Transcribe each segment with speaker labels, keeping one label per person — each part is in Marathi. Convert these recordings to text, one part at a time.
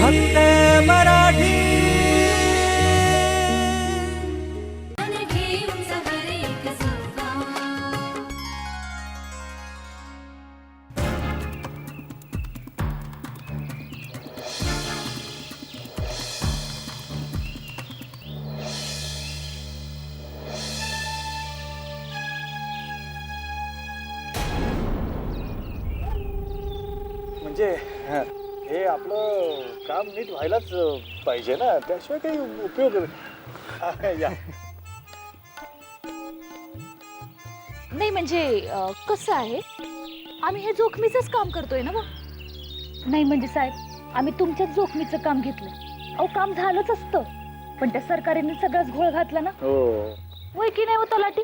Speaker 1: फक्त मराठी.
Speaker 2: म्हणजे हे आपलं काम नीट व्हायलाच पाहिजे ना, त्याशिवाय काही उपयोग या.
Speaker 3: नाही म्हणजे कसं आहे, आम्ही हे जोखमीचंच काम करतोय ना. मग नाही म्हणजे साहेब, आम्ही तुमच्याच जोखमीचं काम घेतलं. अहो काम झालंच असतं, पण त्या सरकारने सगळाच घोळ घातला ना.
Speaker 2: हो
Speaker 3: होय की नाही हो तलाठी?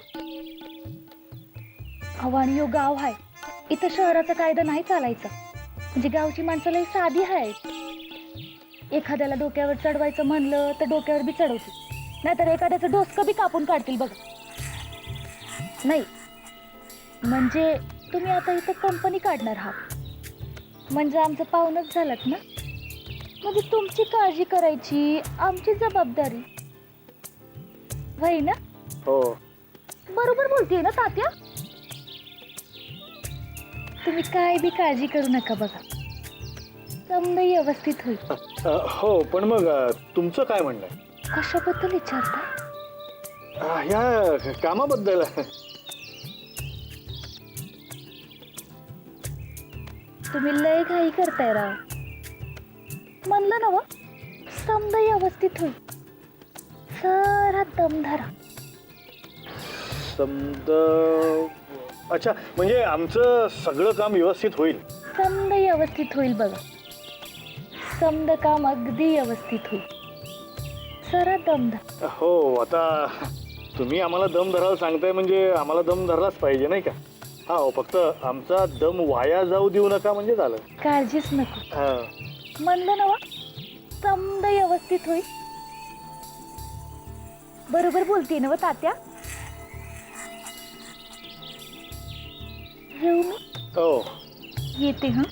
Speaker 3: अहो आणि यो गाव आहे, इथं शहराचा कायदा नाही चालायचा. म्हणजे गावची माणसं लई साधी आहेत. एखाद्याला डोक्यावर चढवायचं म्हणलं तर डोक्यावर बी चढवतील, नाहीतर एखाद्याचं डोसकं बी कापून काढतील बघा. नाही म्हणजे तुम्ही आता इथं कंपनी काढणार आहात म्हणजे आमचं पाहुणच झालात ना. म्हणजे तुमची काळजी करायची आमची जबाबदारी होय ना.
Speaker 2: हो
Speaker 3: बरोबर बोलतेय ना तात्या. तुम्ही काय बी काळजी करू नका बघा, समजा व्यवस्थित होईल.
Speaker 2: हो पण मग तुमचं काय म्हणणं आहे?
Speaker 3: कशाबद्दल विचारता?
Speaker 2: ह्या कामाबद्दल.
Speaker 3: तुम्ही लय घाई करताय राव. म्हणलं ना व, समजा व्यवस्थित होईल. जरा दम धरा.
Speaker 2: अच्छा म्हणजे आमचं सगळं काम व्यवस्थित होईल.
Speaker 3: समजा व्यवस्थित होईल बघा. समजा काम अगदी व्यवस्थित होईल. जरा दम धरा.
Speaker 2: हो आता तुम्ही आम्हाला दम धरायला सांगताय म्हणजे आम्हाला दम धरलाच पाहिजे नाही का. हा हो, फक्त आमचा दम वाया जाऊ देऊ नका म्हणजे झालं.
Speaker 3: काळजीच नको. म्हणलं ना व, समजा व्यवस्थित होईल. बरोबर बोलते ना व तात्या. येऊ मी.
Speaker 2: हो
Speaker 3: येते. हा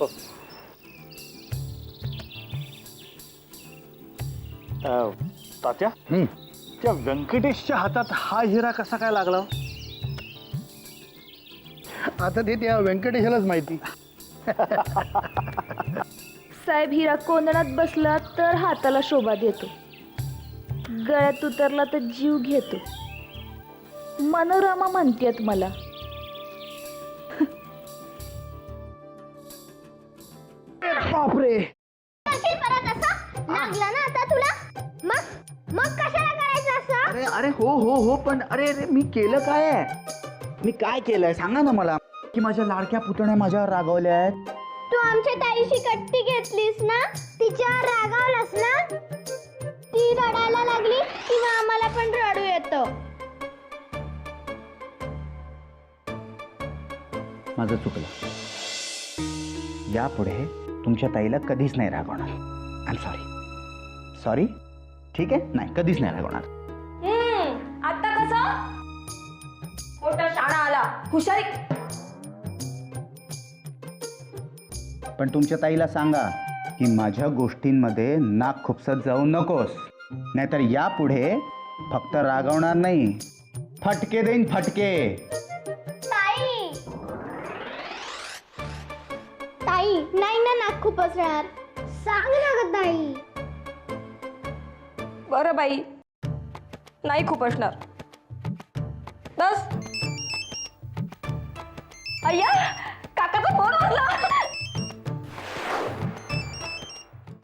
Speaker 2: तात्या, त्या व्यंकटेशच्या हातात हा हिरा कसा काय लागला?
Speaker 4: आता ते त्या व्यंकटेशालाच माहिती.
Speaker 3: साहेब, हिरा कोंदणात बसला तर हाताला शोभा देतो, गळ्यात उतरला तर जीव घेतो. मनोरमा म्हणतेत मला.
Speaker 4: बापरे,
Speaker 5: लागला ना आता तुला. मग कशाला करायचं असं?
Speaker 4: अरे अरे हो हो हो, पण अरे अरे मी केलं काय आहे? मी काय केलंय सांगा ना मला. की माझ्या लाडक्या पुतण्या माझ्यावर रागावल्या आहेत.
Speaker 5: तू आमच्या ताईशी कट्टी घेतलीस ना, तिच्यावर रागावलास ना, ती रडायला लागली किंवा आम्हाला पण रडू येतं.
Speaker 4: माझं चुकलं. यापुढे तुमच्या ताईला कधीच नाही रागवणार. I am sorry. सॉरी. ठीक आहे, नाही कधीच नाही रागवणार.
Speaker 3: आता कसं मोठा शाळा आला, हुशारी.
Speaker 4: पण तुमच्या ताईला सांगा की माझ्या गोष्टींमध्ये नाक खुपसत जाऊ नकोस, नाहीतर यापुढे फक्त रागवणार नाही, फटके देईन, फटके.
Speaker 5: ताई ताई नाही ना, नाक खूपच राहणार. सांग ना ग ताई.
Speaker 6: बरं बाई, नाही खूप असणार. बस. अय्या, काकाचा फोन वाजला.